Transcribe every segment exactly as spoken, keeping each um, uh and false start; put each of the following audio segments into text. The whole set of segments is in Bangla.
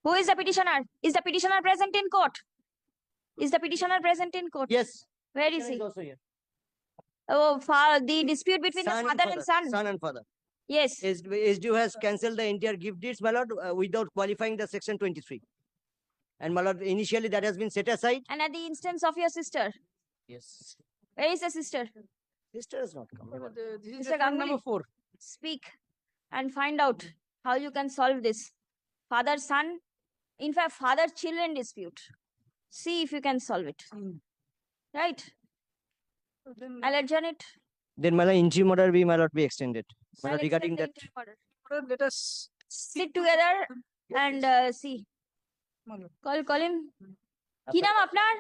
Who is the petitioner? Is the petitioner present in court? Is the petitioner present in court? Yes. Where is Petitioner he? is also here. Oh, fa- the dispute between Son the father father. and son. Son and father. Yes. S D U has cancelled the entire gift deeds, my lord, uh, without qualifying the section twenty-three. And my lord, initially that has been set aside. And at the instance of your sister. Yes. Where is the sister? Sister has not come. my lord. This is Mister reference Ganguly. number four. Speak and find out how you can solve this. Father son, in fact, father children dispute. See if you can solve it. Mm. Right? Then I'll adjourn it. Then my lord, interim order be my lord be extended. My I'll lord, regarding extend that. the interim order. let us Sit together and uh, see. Malo. Call, call him. কি নাম আপনার?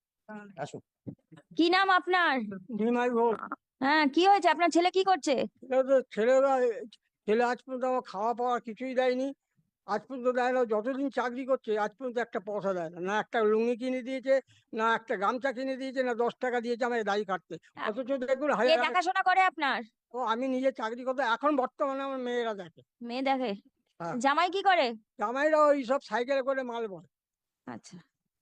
আসুন। কি নাম আপনার? নিমাই ভোগ। হ্যাঁ, কি হয়েছে? আপনার ছেলে কি করছে? এটা তো ছেলেরা ছেলে আজ পর্যন্ত আমার খাওয়া পাওয়া কিছুই দেয়নি। আজ পর্যন্ত দেয় না, যতদিন চাকরি করছে আজ পর্যন্ত একটা পয়সা দেয় না। না একটা লুঙ্গি কিনে দিয়েছে, না একটা গামছা কিনে দিয়েছে, না দশ টাকা দিয়েছে আমাকে দাড়ি কাটতে। অথচ দেখুন কে হাজার দেখাশোনা করে আপনার? ও আমি নিজে চাকরি করতে, এখন বর্তমানে আমার মেয়েরা দেখে। মেয়ে দেখে? হ্যাঁ। জামাই কি করে? জামাইরা ওই সব সাইকেলে করে মাল বয়। আচ্ছা,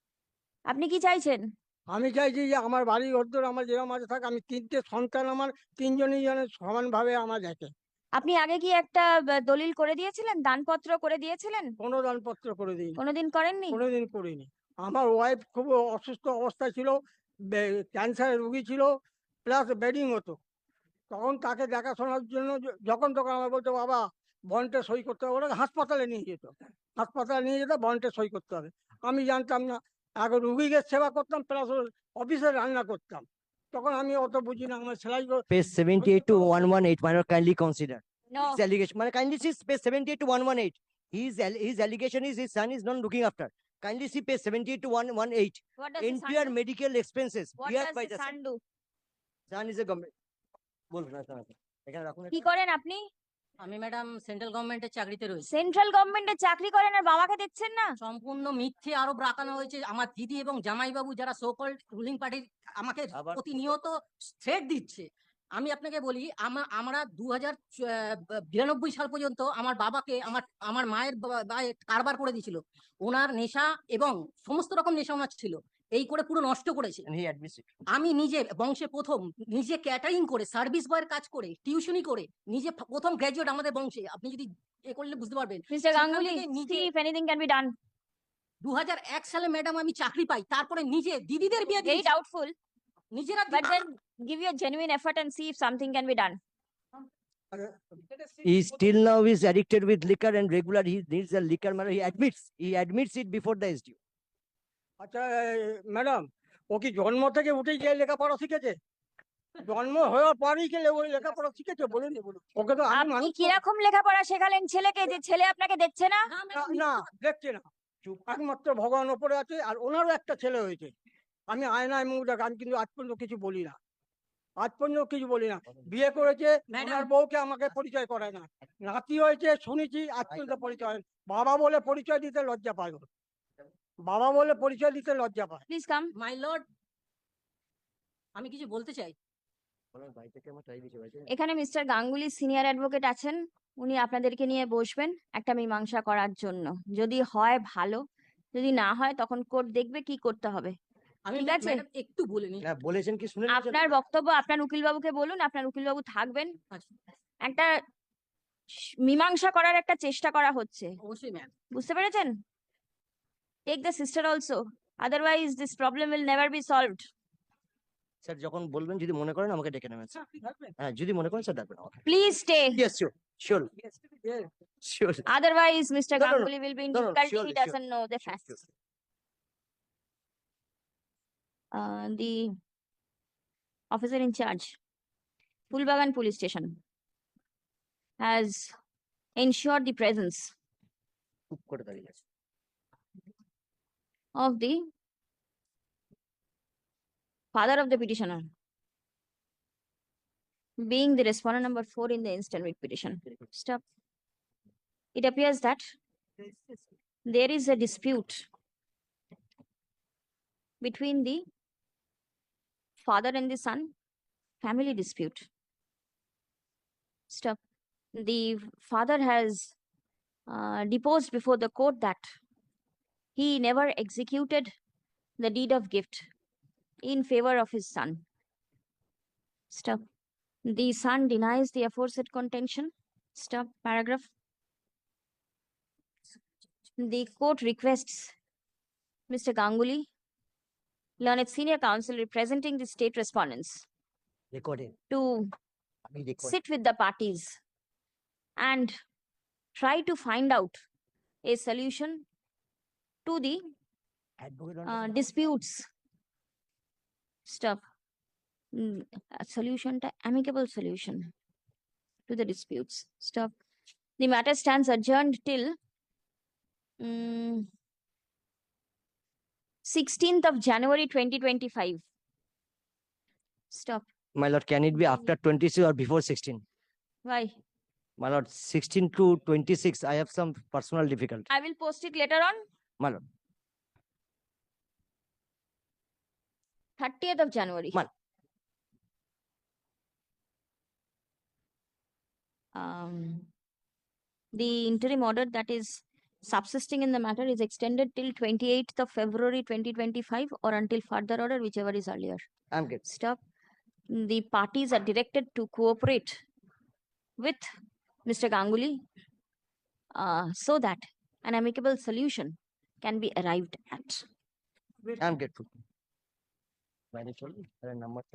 আপনি কি চাইছেন? আমি চাইছি যে আমার বাড়ি ঘর আমার যেরকম আছে থাক, আমি তিনটে সন্তান, আমার তিনজনই যেন সমানভাবে আমার দেখে। আপনি আগে কি একটা আহ, দলিল করে দিয়েছিলেন, দানপত্র করে দিয়েছিলেন? কোনো দানপত্র করে দিইনি, কোনোদিন করেননি? কোনোদিন করিনি। আমার ওয়াইফ খুব অসুস্থ অবস্থায় ছিল, ক্যান্সারের রুগী ছিল, প্লাস বেডিং হতো। তখন তাকে দেখাশোনার জন্য য- যখন তখন আমার বলতো বাবা বন্ডে সই করতে হবে, ওরা হাসপাতালে নিয়ে যেত, হাসপাতালে নিয়ে যেত বন্ডে সই করতে হবে। আমি জানতাম না, আগে রুগীকে সেবা করতাম প্লাস অফিসে রান্না করতাম। তখন আমি অত বুঝি না, আমার সেলাই কর- Page seventy-eight to one eighteen, my lord, kindly consider. No. His allegation, my lord, kindly see page seventy-eight to one eighteen. His, al- his allegation is his son is not looking after. Kindly see page seventy-eight to one eighteen. What does the son Entire do? medical expenses What bear does by the the son son. do? Son is a government. বলুন না, শোনাতে। এখানে রাখুন কি একটা। করেন আপনি? আমি ম্যাডাম সেন্ট্রাল গভর্নমেন্টের চাকরিতে রয়েছে। সেন্ট্রাল গভর্নমেন্টে চাকরি করেন আর বাবাকে দেখছেন না? সম্পূর্ণ মিথ্যে আরোপ রাখানো হয়েছে। আমার দিদি এবং জামাইবাবু যারা সো কল্ড রুলিং পার্টির আমাকে আবার- প্রতিনিয়ত থ্রেট দিচ্ছে। আমি আপনাকে বলি, আমা আমরা দু হাজার বিরানব্বই সাল পর্যন্ত আমার বাবাকে আমার আমার মায়ের বা- বায়ে কারবার করে দিয়েছিল। ওনার নেশা এবং সমস্ত রকম নেশা ওনার ছিল, এই করে পুরো নষ্ট করেছে। And he admits it. আমি নিজে বংশে প্রথম, নিজে ক্যাটারিং করে, সার্ভিস বয়ের কাজ করে, টিউশনি করে, নিজে ফ- প্রথম গ্র্যাজুয়েট আমাদের বংশে। আপনি যদি এ করলে বুঝতে পারবেন। মিস্টার সেখান গাঙ্গুলি, থেকে নিজে see if anything can be done. দু হাজার এক সালে ম্যাডাম আমি চাকরি পাই, তারপরে নিজে দিদিদের বিয়ে Very দিয়েছি doubtful, নিজেরা। but then give your genuine effort and see if something can be done. He still now is addicted with liquor and regular he needs a liquor, my lord. He admits, he admits it before the S D U. আচ্ছা ম্যাডাম, ও কি জন্ম থেকে উঠেই গিয়ে লেখাপড়া শিখেছে? জন্ম হওয়ার পরেই কি ওই লেখাপড়া শিখেছে? বলুন ওকে তো আমি আপনি মানুষ কিরকম লেখাপড়া শেখালেন ছেলেকে যে ছেলে আপনাকে দেখছে না? না, না, madam, না দেখছে না, একমাত্র ভগবান ওপরে আছে। আর ওনারও একটা ছেলে হয়েছে, আমি আয়নায় মুখ দেখ, আমি কিন্তু আজ পর্যন্ত কিছু বলি না, আজ পর্যন্ত কিছু বলি না। বিয়ে করেছে, Madam- ওনার বউকে আমাকে পরিচয় করায় না। নাতি হয়েছে শুনেছি, আজ পর্যন্ত পরিচয় হয় না। বাবা বলে পরিচয় দিতে লজ্জা পায় ও। বাবা বলে পরিচয় দিতে লজ্জা পায়। Please come. মাই লর্ড, আমি কিছু বলতে চাই। এখানে মিস্টার গাঙ্গুলি সিনিয়র অ্যাডভোকেট আছেন, উনি আপনাদেরকে নিয়ে বসবেন একটা মীমাংসা করার জন্য। যদি হয় ভালো, যদি না হয় তখন কোর্ট দেখবে কি করতে হবে। আমি ঠিক আছে। ম্যাডাম একটু বলে নিই। না বলেছেন কি শুনে নিয়েছেন? আপনার বক্তব্য আপনার উকিলবাবুকে বলুন, আপনার উকিলবাবু থাকবেন। আচ্ছা, একটা স- মীমাংসা করার একটা চেষ্টা করা হচ্ছে, অবশ্যই ম্যাম। বুঝতে পেরেছেন? Take the sister also, otherwise this problem will never be solved. Sir যখন বলবেন যদি মনে করেন আমাকে ডেকে নেবেন স্যার। হ্যাঁ যদি মনে করেন স্যার ডাকবেন আমাকে। Please stay, Yes, sure, sure, sure. Otherwise mister No, no, no. Ganguly will be in No, no, difficulty, surely, he sure, doesn't know the Sure, facts. sure. Uh, the officer in charge, Pulbagan Police Station, has ensured the presence খুব করে দাঁড়িয়ে আছে। of the father of the petitioner, being the respondent number four in the instant writ petition. Stop. It appears that there is a dispute between the father and the son, family dispute. Stop. The father has uh, deposed before the court that he never executed the deed of gift in favor of his son. Stop. The son denies the aforesaid contention. Stop. Paragraph. The court requests Mister Ganguly, learned senior counsel representing the state respondents, Recording. to We record. sit with the parties and try to find out a solution to the Advocate on uh, the- disputes. Stop. Mm, a solution to amicable solution to the disputes. Stop. The matter stands adjourned till mm, sixteenth of January twenty twenty-five. Stop. My lord, can it be after twenty-six or before sixteen? Why? My lord, sixteen to twenty-six, I have some personal difficulty. I will post it later on. My lord, thirtieth of January. Ma- Um, the interim order that is subsisting in the matter is extended till twenty-eighth of February twenty twenty-five or until further order, whichever is earlier. I'm good. Stop. The parties are directed to cooperate with Mister Ganguly uh, so that an amicable solution can be arrived at. I'm grateful. Very sorry. Number